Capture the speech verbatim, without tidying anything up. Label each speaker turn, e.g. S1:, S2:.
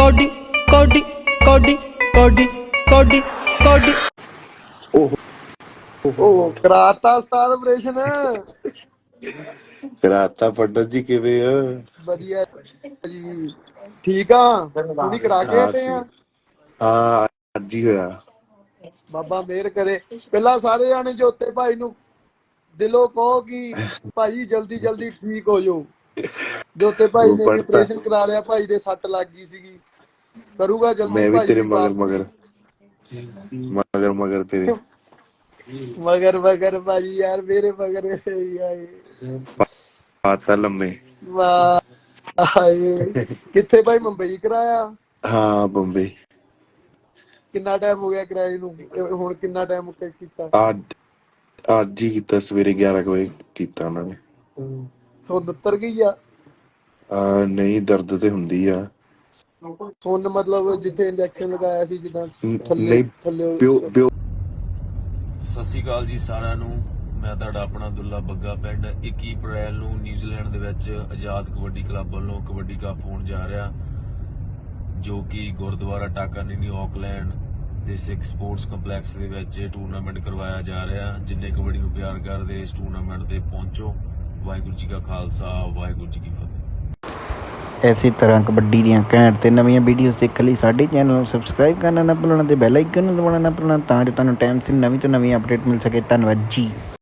S1: Cody ਕੋਡੀ ਕੋਡੀ ਕੋਡੀ ਕੋਡੀ ਕੋਡੀ
S2: ਉਹ ਕਰਾਤਾ ਉਸਤਾਦ ਆਪਰੇਸ਼ਨ।
S3: ਕਰਾਤਾ ਪੰਡਤ ਜੀ, ਕਿਵੇਂ ਆ?
S2: ਵਧੀਆ ਜੀ, ਠੀਕ ਆ। ਹੁਣੀ ਕਰਾ ਕੇ ਹਟੇ ਆ।
S3: ਹਾਂ ਅੱਜ ਹੀ ਹੋਇਆ।
S2: ਬਾਬਾ ਮਿਹਰ ਕਰੇ। ਪਹਿਲਾਂ ਸਾਰੇ ਜਾਣੇ ਜੋਤੇ ਭਾਈ ਨੂੰ ਦਿਲੋਂ ਕਹੋ ਕਿ ਭਾਈ ਜਲਦੀ ਜਲਦੀ ਠੀਕ ਹੋ ਜਾਓ। ਜੋਤੇ ਭਾਈ ਨੇ ਵੀ ਆਪਰੇਸ਼ਨ ਕਰਾ ਲਿਆ, ਭਾਈ ਦੇ ਸੱਟ ਲੱਗ ਗਈ ਸੀਗੀ। ਕਰੂਗਾ ਜਲਦੀ।
S3: ਮੈਂ ਵੀ
S2: ਭਾਈ
S3: ਤੇਰੇ ਮਗਰ ਮਗਰ ਮਗਰ ਮਗਰ ਤੇਰੇ
S2: ਮਗਰ ਮਗਰ ਭਾਜੀ ਯਾਰ ਮੇਰੇ ਮਗਰ
S3: ਪਾਤਾ ਲੰਮੇ।
S2: ਵਾਹ ਕਿੱਥੇ ਭਾਈ? ਮੁੰਬਈ ਕਰਾਇਆ?
S3: ਹਾਂ ਬੰਬਈ।
S2: ਕਿੰਨਾ ਟਾਈਮ ਹੋ ਗਿਆ ਕਿਰਾਏ ਨੂੰ? ਹੁਣ ਕਿੰਨਾ ਟਾਈਮ ਕੀਤਾ?
S3: ਅੱਜ ਅੱਜ ਹੀ ਕੀਤਾ, ਸਵੇਰੇ ਗਿਆਰਾਂ ਕੁ ਵਜੇ ਕੀਤਾ ਉਹਨਾਂ ਨੇ।
S2: ਸੁੰਨ ਉਤਰ ਗਈ ਆ?
S3: ਆ ਨਹੀਂ, ਦਰਦ ਤੇ ਹੁੰਦੀ ਆ।
S2: ਸੁੰਨ ਮਤਲਬ ਜਿੱਥੇ ਇੰਜੈਕਸ਼ਨ ਲਗਾਇਆ ਸੀ, ਜਿੱਦਾਂ ਥੱਲੇ
S3: ਨਹੀਂ,
S2: ਥੱਲੇ।
S3: ਪਿਓ ਪਿਓ
S4: ਸਤਿ ਸ਼੍ਰੀ ਅਕਾਲ ਜੀ ਸਾਰਿਆਂ ਨੂੰ। ਮੈਂ ਤੁਹਾਡਾ ਆਪਣਾ ਦੁੱਲਾ ਬੱਗਾ। ਪਿੰਡ ਇੱਕੀ ਅਪ੍ਰੈਲ ਨੂੰ ਨਿਊਜ਼ੀਲੈਂਡ ਦੇ ਵਿੱਚ ਆਜ਼ਾਦ ਕਬੱਡੀ ਕਲੱਬ ਵੱਲੋਂ ਕਬੱਡੀ ਕੱਪ ਹੋਣ ਜਾ ਰਿਹਾ, ਜੋ ਕਿ ਗੁਰਦੁਆਰਾ ਟਾਕਾਨੀਨੀ ਆਕਲੈਂਡ ਦੇ ਸਿੱਖ ਸਪੋਰਟਸ ਕੰਪਲੈਕਸ ਦੇ ਵਿੱਚ ਟੂਰਨਾਮੈਂਟ ਕਰਵਾਇਆ ਜਾ ਰਿਹਾ। ਜਿੰਨੇ ਕਬੱਡੀ ਨੂੰ ਪਿਆਰ ਕਰਦੇ ਇਸ ਟੂਰਨਾਮੈਂਟ ਤੇ ਪਹੁੰਚੋ। ਵਾਹਿਗੁਰੂ ਜੀ ਕਾ ਖਾਲਸਾ, ਵਾਹਿਗੁਰੂ ਜੀ ਕੀ ਫਤਿਹ।
S5: ਇਸੇ ਤਰ੍ਹਾਂ ਕਬੱਡੀ ਦੀਆਂ ਘੈਂਟ ਤੇ ਨਵੀਆਂ ਵੀਡੀਓਜ਼ ਦੇਖਣ ਲਈ ਸਾਡੇ ਚੈਨਲ ਨੂੰ ਸਬਸਕ੍ਰਾਈਬ ਕਰਨਾ ਨਾ ਭੁੱਲਣਾ ਤੇ ਬੈਲ ਆਈਕਨ ਨੂੰ ਦਬਾਉਣਾ ਨਾ ਭੁੱਲਣਾ, ਤਾਂ ਜੋ ਤੁਹਾਨੂੰ ਟਾਈਮ ਸਿਰ ਨਵੀਂ ਤੋਂ ਨਵੀਂ ਅਪਡੇਟ ਮਿਲ ਸਕੇ। ਧੰਨਵਾਦ ਜੀ।